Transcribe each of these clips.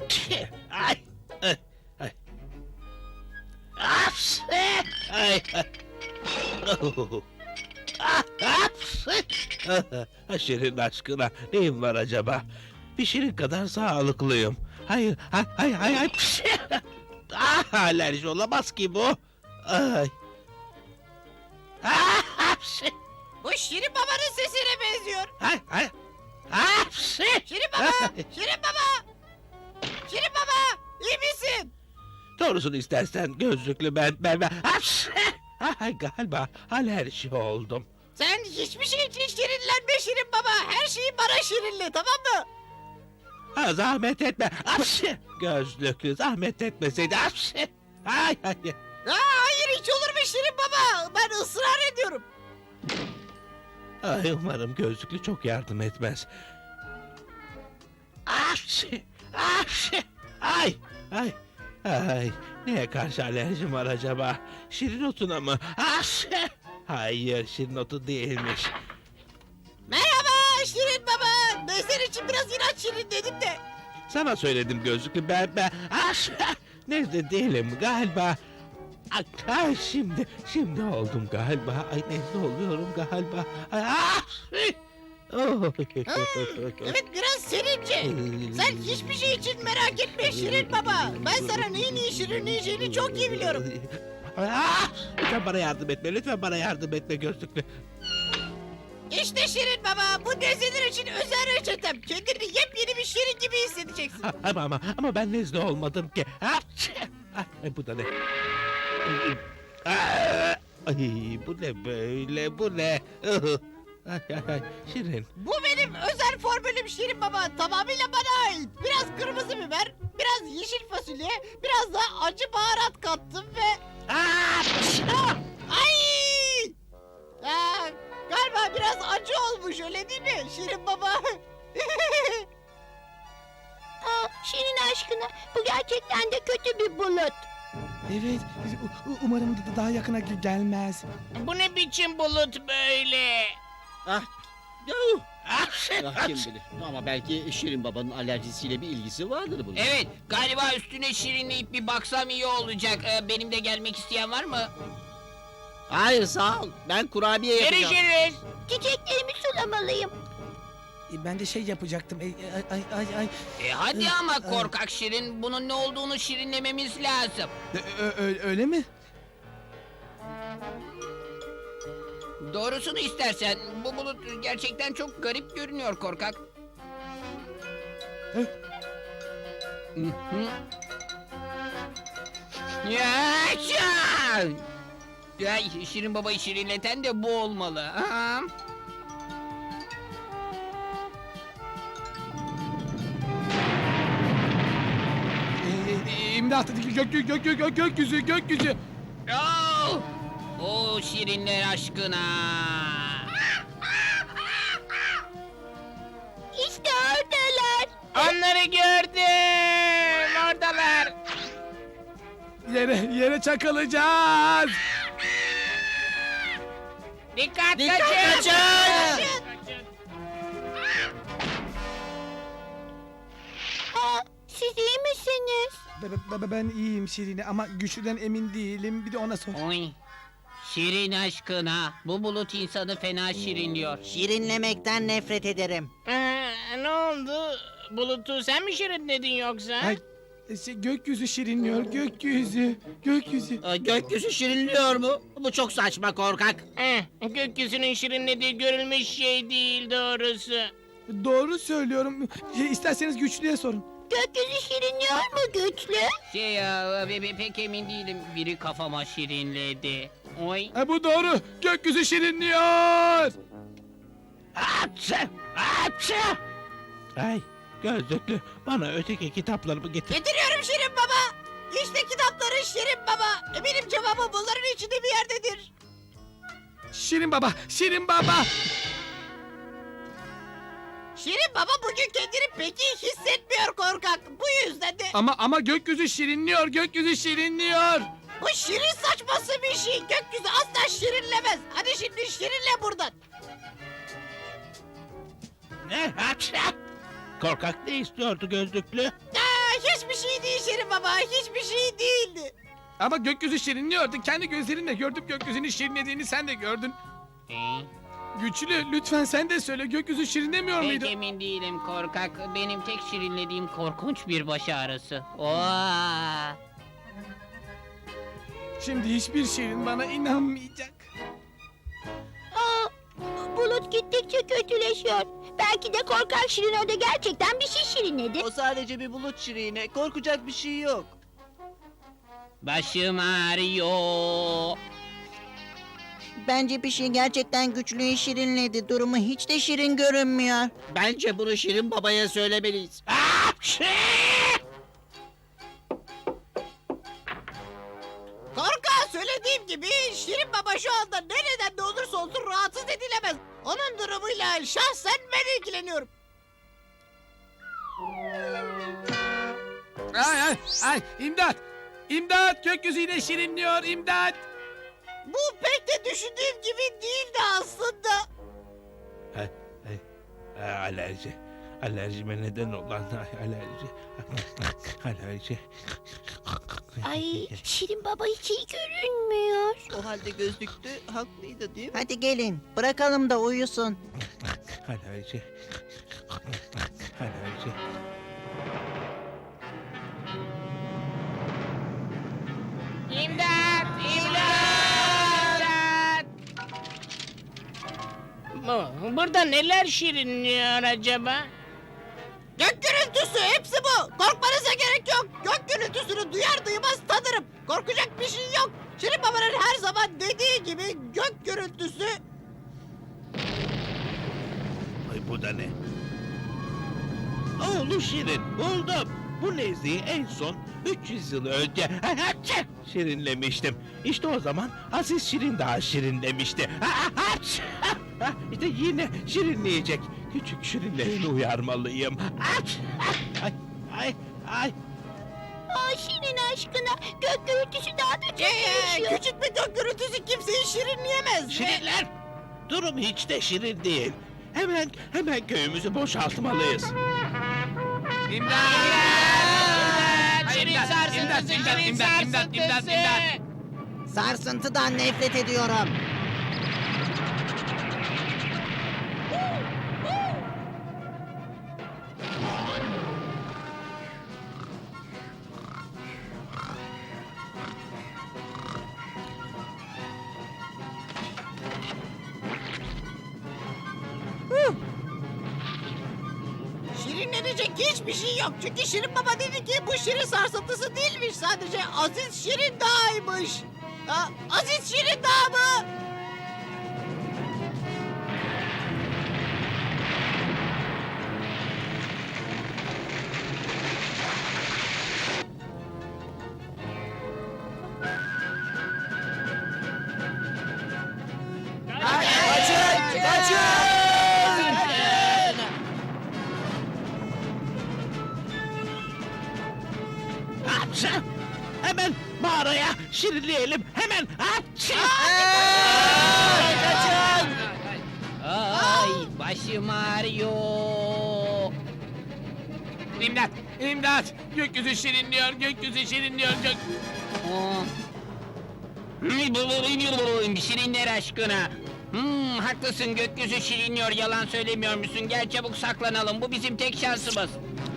Ay. Ay. Ay. Aps! Ay. Oh. Aps! Şirin aşkına neyim var acaba? Bir şirin kadar sağlıklıyım. Hayır, hayır. Alerji olamaz ki bu. Ay. Aps! Bu Şirin Baba'nın sesine benziyor. Ay. Aps! Şirin Baba! Şirin Baba! Şirin Baba! İyi misin? Doğrusunu istersen gözlüklü ben. Aps! Ay, galiba alerji oldum. Sen hiçbir şey için şirinlenme Şirin Baba. Her şeyi bana şirinle, tamam mı? Ha, zahmet etme. Aps! Gözlüklü zahmet etmeseydi. Aps! Ay. Hayır, hiç olur mu Şirin Baba? Ben ısrar ediyorum. Ay, umarım gözlüklü çok yardım etmez. Aps! Ay. Neye karşı alerjim var acaba? Şirin otuna mı? Aps! Hayır, şirin otu değilmiş. Merhaba Şirin Baba. Ben senin için biraz inat şirin dedim de. Sana söyledim gözlüklü ben. Aps! Nezle değilim galiba. Ay, şimdi oldum galiba. Ay, nezle oluyorum galiba. Ay, oh. Evet, biraz serince. Sen hiçbir şey için merak etme Şirin Baba. Ben sana neyin iyi şirinleyeceğini çok iyi biliyorum. Lütfen bana yardım etme. Lütfen bana yardım etme gözlüklü. İşte Şirin Baba, bu nezleler için özel reçetem. Kendini yepyeni bir şirin gibi hissedeceksin. Ama ben nezle olmadım ki. Ay, bu da ne? Ay, bu ne böyle? Bu ne? Ay, Şirin. Bu benim özel formülüm Şirin Baba. Tamamıyla bana ait. Biraz kırmızı biber, biraz yeşil fasulye, biraz da acı baharat kattım ve... Ay! Galiba biraz acı olmuş, öyle değil mi Şirin Baba? Şirin aşkına, bu gerçekten de kötü bir bulut. Evet, umarım daha yakına gelmez. Bu ne biçim bulut böyle? Yuh! Ah, kim bilir. Ama belki Şirin Baba'nın alerjisiyle bir ilgisi vardır bunun. Evet, galiba üstüne şirinleyip bir baksam iyi olacak. Benim de gelmek isteyen var mı? Hayır, sağ ol. Ben kurabiye yapacağım. Görüşürüz. Çiçeklerimi sulamalıyım. Ben de şey yapacaktım. Ay. Hadi ama korkak şirin, bunun ne olduğunu şirinlememiz lazım. Öyle mi? Doğrusunu istersen, bu bulut gerçekten çok garip görünüyor korkak. Yaşa! Ay, Şirin Baba'yı şirinleten de bu olmalı. Ha? İmdat, gökyüzü. Oh! O şirinler aşkına. İşte oradalar. Onları gördüm. Oradalar. Yere çakılacağız. Dikkat Kaçın! Siz iyi misiniz? Ben iyiyim Şirin'e ama güçlüden emin değilim. Bir de ona sor. Oy. Şirin aşkına. Bu bulut insanı fena şirinliyor. Şirinlemekten nefret ederim. Ne oldu? Bulutu sen mi şirinledin yoksa? Ay, gökyüzü şirinliyor, gökyüzü. Gökyüzü şirinliyor mu? Bu çok saçma korkak. Gökyüzünün şirinlediği görülmüş şey değil doğrusu. Doğru söylüyorum. İsterseniz güçlüye sorun. Gökyüzü şirinliyor mu güçlü? Pek emin değilim. Biri kafama şirinledi. Oy. Bu doğru. Gökyüzü şirinliyor. Ay, gözlüklü bana öteki kitaplarımı getir. Getiriyorum Şirin Baba. İşte kitapları Şirin Baba. Eminim cevabı bunların içinde bir yerdedir. Şirin baba. Şirin Baba bugün kendini pek iyi hissetmiyor korkak. Bu yüzden de Ama gökyüzü şirinliyor. bu şirin saçması bir şey. Gökyüzü asla şirinlemez. Hadi şimdi şirinle buradan. Ne? Korkak ne istiyordu gözlüklü? hiçbir şey değil Şirin Baba. Hiçbir şey değildi. Ama gökyüzü şirinliyordu. Kendi gözlerinle gördüm gökyüzünün şirinlediğini sen de gördün. Güçlü lütfen sen de söyle gökyüzü şirinlemiyor Pek muydu? emin değilim korkak. Benim tek şirinlediğim korkunç bir baş ağrısı. Oo. Şimdi hiçbir şirin bana inanmayacak. Aa, bulut gittikçe kötüleşiyor. Belki de korkak Şirin orada gerçekten bir şey şirinledi. O sadece bir bulut şirine. Korkacak bir şey yok. Başım ağrıyor. Bence bir şey gerçekten güçlüyü şirinledi. Durumu hiç de şirin görünmüyor. Bence bunu Şirin Baba'ya söylemeliyiz. Apşi! Korkak söylediğim gibi Şirin Baba şu anda nereden de olursa olsun rahatsız edilemez. Onun durumuyla şahsen ben ilgileniyorum. Ay imdat! İmdat gökyüzü yine şirinliyor imdat! Bu pek de düşündüğüm gibi değildi aslında. Alerji. Alerjime neden olan alerji. Alerji. Ay, Şirin Baba hiç iyi görünmüyor. O halde gözlüklü haklıydı değil mi? Hadi gelin bırakalım da uyusun. Alerji. Alerji. İmdat! İmdat! Burada neler şirinliyor acaba? Gök gürültüsü hepsi bu. Korkmanıza gerek yok. Gök gürültüsünü duyar duymaz tanırım. Korkacak bir şey yok. Şirin Baba'nın her zaman dediği gibi gök gürültüsü. Ay bu da ne? Oğlu Şirin buldum. Bu nezleyi en son 300 yıl önce şirinlemiştim. İşte o zaman Aziz Şirin daha şirinlemişti. İşte yine şirinleyecek. Küçük şirinlerini uyarmalıyım. Ay ay ay. Aa, Şirin aşkına gök gürültüsü daha da kötüleşiyor. Küçük bir gök gürültüsü kimseyi şirinleyemez. Şirinler, durum hiç de şirin değil. Hemen köyümüzü boşaltmalıyız. İmdat! Şirin sarsıntısı, şirin sarsıntısı. Sarsıntıdan nefret ediyorum. Şirinlenecek hiçbir şey yok. Çünkü Şirin Baba dedi ki bu şirin sarsıntısı değilmiş. Sadece Aziz Şirin Dağ'ymış. Aziz Şirin Dağ mı? Kaçın! Kaçın! Hapşa! Hemen mağaraya şirinleyelim. Hemen hapşa! Kaçın! Ay başım ağrıyor. İmdat! İmdat! Gökyüzü şirinliyor gökyüzü şirinliyor Şirinler aşkına. Haklısın gökyüzü şirinliyor yalan söylemiyor musun? Gel çabuk saklanalım bu bizim tek şansımız.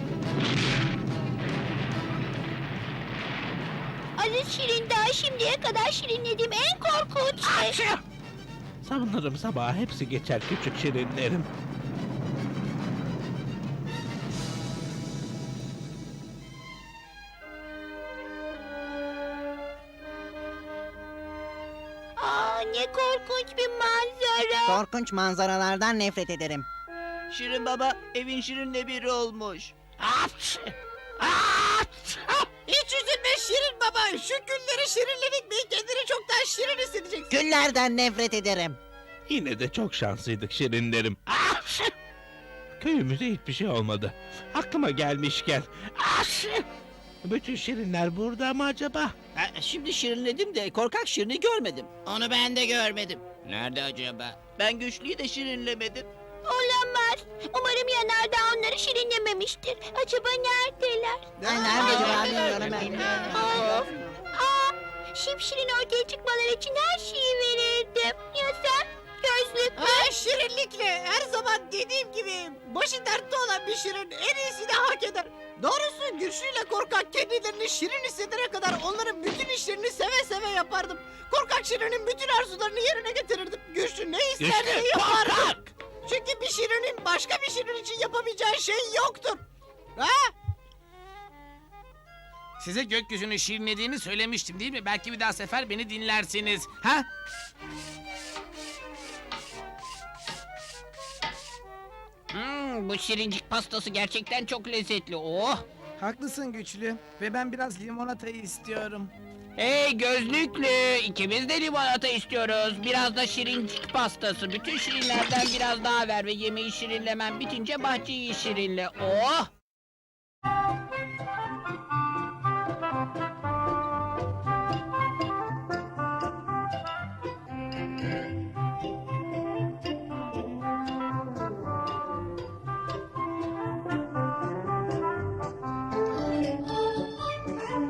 Aziz Şirin daha şimdiye kadar şirinlediğim en korkunç şey. Hapşa! Sanırım sabah hepsi geçer küçük şirinlerim. Aa, ne korkunç bir manzara. Korkunç manzaralardan nefret ederim. Şirin Baba evin şirinle biri olmuş. Hapşa! Hapşa! Hiç üzülme Şirin Baba. Şu günleri şirinledik mi kendini çoktan şirin hissedeceksin. Güllerden nefret ederim. Yine de çok şanslıydık şirinlerim. Hapşa! Köyümüze hiçbir şey olmadı. Aklıma gelmişken. Hapşa! Bütün şirinler burada mı acaba? Şimdi şirinledim de korkak şirini görmedim. Onu ben de görmedim. Nerede acaba? Ben güçlüyü de şirinlemedim. Olamaz. Olamaz. Umarım yanardağ onları şirinlememiştir. Acaba neredeler? Ay, nerede acaba bilmiyorum ben. Of. Şipşirin ortaya çıkmaları için her şeyi verirdim. Ya sen? Gözlüklü. Şirinlikle her zaman dediğim gibi başı dertte olan bir şirin en iyisini hak eder. Doğrusu güçlüyle korkak kendilerini şirin hissedene kadar onların bütün işlerini seve seve yapardım. Korkak şirinin bütün arzularını yerine getirirdim. Güçlü ne isterse Güçlü, yapardım. korkak! Çünkü bir şirinin başka bir şirin için yapamayacağı şey yoktur. Ha? Size gökyüzünü şirinlediğini söylemiştim değil mi? Belki bir daha sefer beni dinlersiniz. Ha? Bu şirincik pastası gerçekten çok lezzetli. Oh! Haklısın güçlü. Ve ben biraz limonatayı istiyorum. Hey gözlüklü, ikimiz de limonata istiyoruz. Biraz da şirincik pastası. Bütün şirinlerden biraz daha ver ve yemeği şirinlemen bitince bahçeyi şirinle. Oh!